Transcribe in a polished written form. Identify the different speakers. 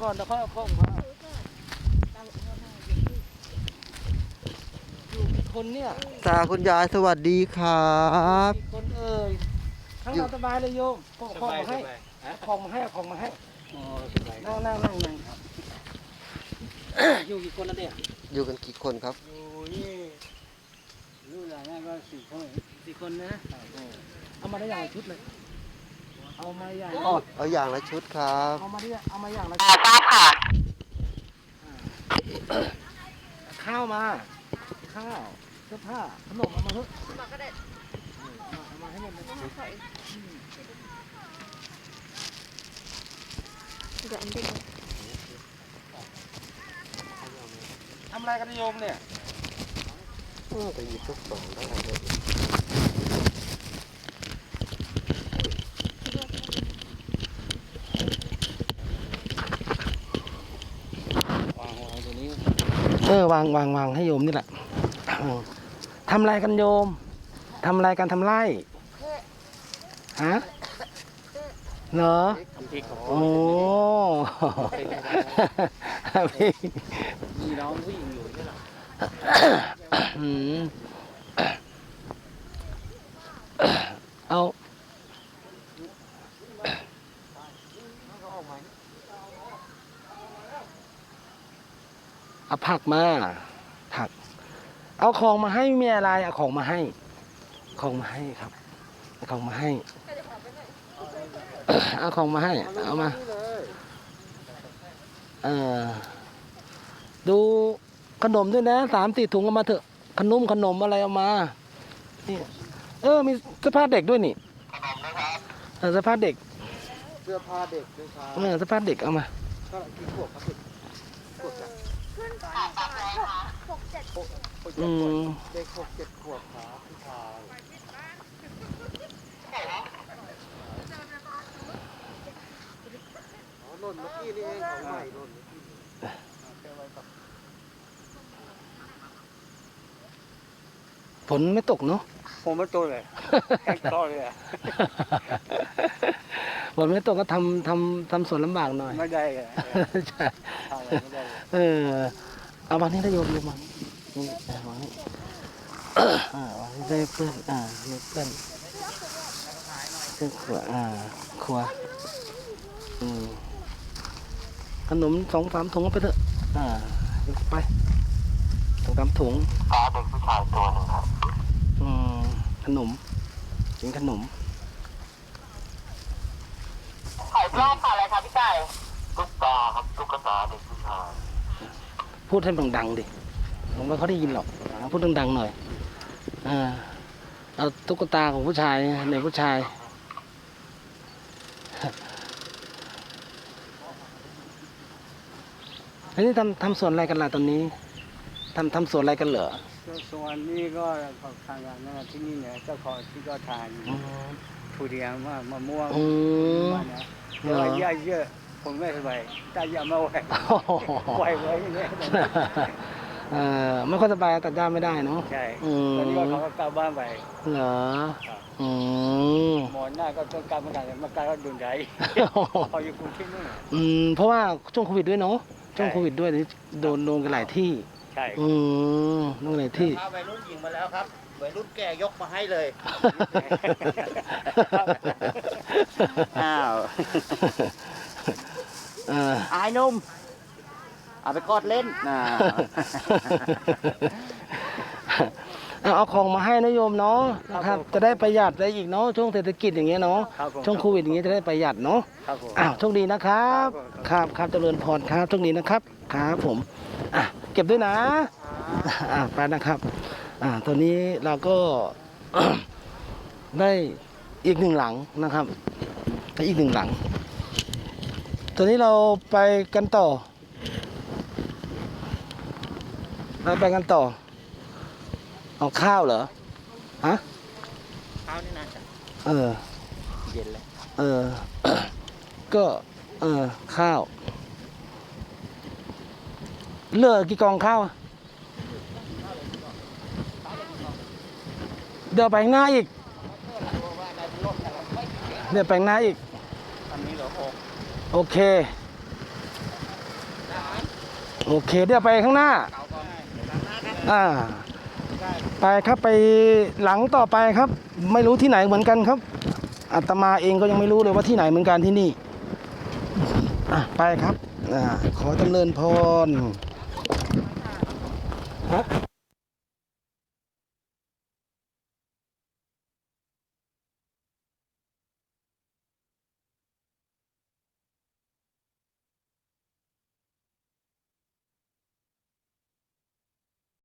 Speaker 1: ก่อนแล้วค่อยเอาของมาอยู่กี่คนเนี่ย
Speaker 2: ตาคุณยายสวัสดีครับ
Speaker 1: กี่คนเอ่ยทั้งเราสบายเลยโยมเอาของมาให้เอาของมาให้เอาของมาให้นั่งครับอยู่กี่คนแล้วเนี่ย
Speaker 2: อยู่กันกี่คนครับ
Speaker 1: อยู่นี่รู้หลายงานก็4 คนนะเอามาได้อย่างละชุดเลยเอามาอย่าง
Speaker 2: เอาอย่างละชุดครับ
Speaker 1: เอามาอย่างละชุดข้าวมาข้าวเสื้อผ้าขนมเอามาเถอะเอามาให้หมดเลยทำอะไรกันโยมเนี่ย
Speaker 2: ไปหยิบชุดสองได้เลย
Speaker 1: วางตัวนี้วางให้โยมนี่แหละทำอะไรกันโยมทำอะไรกันทำไรฮะเหรอโอ้มีน้องผู้หญิงอยู่ใช่ไหมเอาผักมาผักเอาของมาให้มีอะไรเอาของมาให้ครับเอาของมาให้เอาของมาให้เอามาดูขนมด้วยนะ3-4 ถุงเอามาเถอะขนมอะไรเอามานี่มีเสื้อผ้าเด็กด้วยนี่เสื้อผ้าเด็ก
Speaker 2: เสื้อผ้าเด็กด้วยครับ
Speaker 1: เสื้อผ้าเด็กเอามา
Speaker 2: ก็กี่ขวบครับขวบจ้ะ
Speaker 3: ขึ้นตอนประมาณ6-7
Speaker 2: เด็ก6-7 ขวบครับพี่ชายหล่นเมื่อกี้นี่เองของใหม่หล่นเมื่อกี้
Speaker 1: ฝนไม่ตกเนาะ
Speaker 4: ผมไม่ตัวเลยแห้งคอเลยอ่ะ
Speaker 1: ฝนไม่ตกก็ทำสวนลำบากหน่อย
Speaker 4: ไม่ได้เลย
Speaker 1: ใช่
Speaker 4: ทำอะไรไม่ได้เลย
Speaker 1: เอาวางนี่ได้โยมวางนี่วางนี่วางนี่ได้เพื่อนนี่เพื่อนขวขนม2-3 ถุงเอาไปเถอะไป2-3 ถุง
Speaker 2: ตาเด็กผู้ชายตัวหนึ่งครับ
Speaker 1: ขนมกินขนม
Speaker 2: ขายปลาค่ะอะไรครับพี่ไก่ตุ๊กตาครับตุ๊กตาเด็กผู้ชาย
Speaker 1: พูดให้ดังๆดิผมว่าเขาได้ยินหรอกพูดดังๆหน่อยเอาตุ๊กตาของผู้ชายเด็กผู้ชายอันนี้ทำสวนอะไรกันล่ะตอนนี้ทำสวนอะไรกันเหรอ
Speaker 4: ส่วนนี้ก็ทางงานนะที่นี่เนี่ยเจ้าของที่ก็ทานทุเรียนมะม่วงมันนะแต่ว่าหญ้าเยอะผมไม่สบายตายาไม่ไหวไหวอย่างเงี้ย
Speaker 1: ไม่ค่อยสบายตัดหญ้าไม่ได้เนาะ
Speaker 4: ใช่ตอนนี้เขาก็กลับบ้านไป
Speaker 1: เหรอ
Speaker 4: หมอนหน้าก็ต้องกลับมากันมาการก็ดุนใจเขาอยู่กรุงเทพนู่น
Speaker 1: เพราะว่าช่วงโควิดด้วยเนาะช่วงโควิดด้วยโดนกันหลายที่
Speaker 4: ใช่
Speaker 1: โดนหลายที่
Speaker 2: วัยรุ่นหญิงมาแล้วครับวัยรุ่นแก่ยกมาให้เลยอ้าวอายนุ่มเอาไปกอดเล่น
Speaker 1: เอาของมาให้นะโยมเนาะนะครับจะได้ประหยัดได้อีกเนาะช่วงเศรษฐกิจอย่างเงี้ยเนาะช่วงโควิดอย่างเงี้ยจะได้ประหยัดเนาะโชคดีนะครับครับเจริญพรครับโชคดีนะครับครับผมเก็บด้วยนะไปนะครับตอนนี้เราก็ได้อีก1 หลังนะครับได้อีก1 หลังตอนนี้เราไปกันต่อเอาข้าวเหรอฮะ
Speaker 2: ข้าวนี่นะเย็นเลย
Speaker 1: ก็ข้าวเหลือกี่กองข้าวเดี๋ยวไปข้างหน้าอีกโอเคโอเคเดี๋ยวไปข้างหน้าไปครับไปหลังต่อไปครับ ไม่รู้ที่ไหนเหมือนกันครับอาตมาเองก็ยังไม่รู้เลยว่าที่ไหนเหมือนกันที่นี่ไปครับขอจำเริญพร